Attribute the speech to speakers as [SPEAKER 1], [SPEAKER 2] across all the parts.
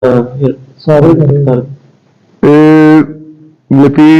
[SPEAKER 1] ਫਿਰ ਸਾਰੇ ਕਰ
[SPEAKER 2] ਮਿਤੀ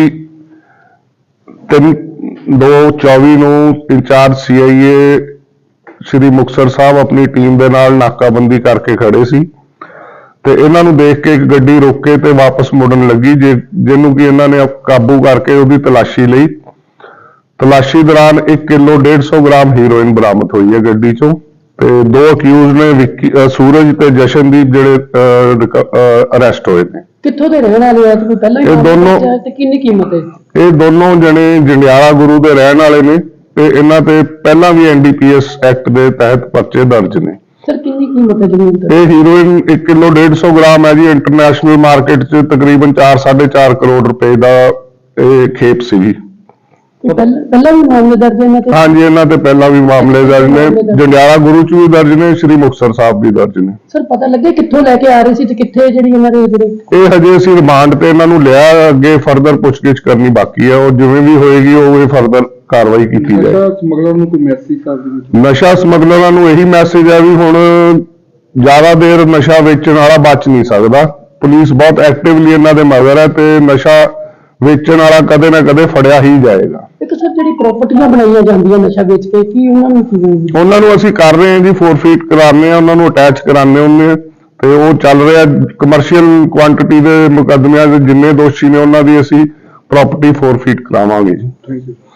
[SPEAKER 2] 3/2/24 ਨੂੰ ਇੰਚਾਰਜ CIA ਸ਼੍ਰੀ ਮੁਕਤਸਰ ਸਾਹਿਬ ਆਪਣੀ ਟੀਮ ਦੇ ਨਾਲ ਨਾਕਾਬੰਦੀ ਕਰਕੇ ਖੜੇ ਸੀ ਤੇ ਇਹਨਾਂ ਨੂੰ ਦੇਖ ਕੇ ਇੱਕ ਗੱਡੀ ਰੋਕ ਕੇ ਤੇ ਵਾਪਸ ਮੁੜਨ ਲੱਗੀ ਜਿਹਨੂੰ ਕਿ ਇਹਨਾਂ ਨੇ ਕਾਬੂ ਕਰਕੇ ਉਹਦੀ ਤਲਾਸ਼ੀ ਲਈ। ਤਲਾਸ਼ੀ ਦੌਰਾਨ 1 ਕਿਲੋ 150 ਗ੍ਰਾਮ ਹੀਰੋਇਨ ਬਰਾਮਦ ਹੋਈ ਹੈ ਗੱਡੀ ਚੋਂ ਤੇ ਦੋ ਅਕਿਊਜ਼ ਨੇ ਸੂਰਜ ਤੇ ਜਸ਼ਨਦੀਪ ਜਿਹੜੇ ਅਰੈਸਟ ਹੋਏ ਨੇ।
[SPEAKER 1] ਕਿੱਥੋਂ ਦੇ ਰਹਿਣ ਵਾਲੇ ਆ? ਤੁਸੀਂ ਪਹਿਲਾਂ ਹੀ
[SPEAKER 2] ਦੋਨੋਂ
[SPEAKER 1] ਤੇ ਕਿੰਨੀ ਕੀਮਤ ਹੈ?
[SPEAKER 2] ਇਹ ਦੋਨੋਂ ਜਣੇ ਜੰਡਿਆਲਾ ਗੁਰੂ ਦੇ ਰਹਿਣ ਵਾਲੇ ਨੇ ਤੇ ਇਹਨਾਂ ਤੇ ਪਹਿਲਾਂ ਵੀ NDPS ਐਕਟ ਦੇ ਤਹਿਤ ਪਰਚੇ ਦਰਜ ਨੇ।
[SPEAKER 1] ਸਰ ਕਿੰਨੀ ਕੀਮਤ ਹੈ ਜ਼ਮੀਨ ਦੀ?
[SPEAKER 2] ਇਹ ਹੀਰੋਇਨ 1 ਕਿਲੋ 150 ਗ੍ਰਾਮ ਹੈ ਜੀ। ਇੰਟਰਨੈਸ਼ਨਲ ਮਾਰਕੀਟ 'ਚ ਤਕਰੀਬਨ 4-4.5 ਕਰੋੜ ਰੁਪਏ ਦਾ ਇਹ ਖੇਪ ਸੀਗੀ।
[SPEAKER 1] ਪਹਿਲਾਂ ਵੀ ਮਾਮਲੇ ਦਰਜ ਨੇ?
[SPEAKER 2] ਹਾਂਜੀ, ਇਹਨਾਂ ਤੇ ਪਹਿਲਾਂ ਵੀ ਮਾਮਲੇ ਦਰਜ ਨੇ। ਜੰਡਿਆਲਾ ਗੁਰੂ 'ਚ ਵੀ ਦਰਜ ਨੇ, ਸ਼੍ਰੀ ਮੁਕਤਸਰ ਸਾਹਿਬ ਵੀ ਦਰਜ ਨੇ।
[SPEAKER 1] ਸਰ ਪਤਾ ਲੱਗਿਆ ਕਿੱਥੋਂ ਲੈ ਕੇ ਆ ਰਹੇ ਸੀ ਤੇ ਕਿੱਥੇ ਜਿਹੜੀ ਇਹਨਾਂ ਦੇ
[SPEAKER 2] ਇਹ ਹਜੇ ਅਸੀਂ ਰਿਮਾਂਡ ਤੇ ਇਹਨਾਂ ਨੂੰ ਲਿਆ, ਅੱਗੇ ਫਰਦਰ ਪੁੱਛਗਿੱਛ ਕਰਨੀ ਬਾਕੀ ਹੈ। ਉਹ ਜਿਵੇਂ ਵੀ ਹੋਏਗੀ ਉਹ ਇਹ ਫਰਦਰ ਕਾਰਵਾਈ ਕੀਤੀ ਜਾਏ।
[SPEAKER 3] ਨਸ਼ਾ ਸਮਗਲਰ ਨੂੰ ਕੋਈ ਮੈਸੇਜ ਕਰ ਦਿਓ?
[SPEAKER 2] ਨਸ਼ਾ ਸਮਗਲਰਾਂ ਨੂੰ ਇਹੀ ਮੈਸੇਜ ਹੈ ਵੀ ਹੁਣ ਜ਼ਿਆਦਾ ਦੇਰ ਨਸ਼ਾ ਵੇਚਣ ਵਾਲਾ ਬਚ ਨਹੀਂ ਸਕਦਾ। ਪੁਲਿਸ ਬਹੁਤ ਐਕਟਿਵਲੀ ਇਹਨਾਂ ਦੇ ਮਗਰ ਹੈ ਤੇ ਨਸ਼ਾ ਵੇਚਣ ਵਾਲਾ ਕਦੇ ਨਾ ਕਦੇ ਫੜਿਆ ਹੀ ਜਾਏਗਾ।
[SPEAKER 1] ਇੱਕ ਸਰ ਜਿਹੜੀ ਪ੍ਰਾਪਰਟੀਆਂ ਬਣਾਈਆਂ ਜਾਂਦੀਆਂ ਨਸ਼ਾ ਵੇਚ ਕੇ, ਕੀ ਉਹਨਾਂ ਨੂੰ
[SPEAKER 2] ਅਸੀਂ ਕਰ ਰਹੇ ਹਾਂ ਜੀ, ਫੋਰਫੀਟ ਕਰਾਉਂਦੇ ਹਾਂ, ਉਹਨਾਂ ਨੂੰ ਅਟੈਚ ਕਰਾਉਂਦੇ ਹੁੰਦੇ ਤੇ ਉਹ ਚੱਲ ਰਿਹਾ। ਕਮਰਸ਼ੀਅਲ ਕੁਆਂਟੀਟੀ ਦੇ ਮੁਕੱਦਮਿਆਂ ਦੇ ਜਿੰਨੇ ਦੋਸ਼ੀ ਨੇ ਉਹਨਾਂ ਦੀ ਅਸੀਂ ਪ੍ਰਾਪਰਟੀ ਫੋਰਫੀਟ ਕਰਾਵਾਂਗੇ ਜੀ।
[SPEAKER 3] Thank you.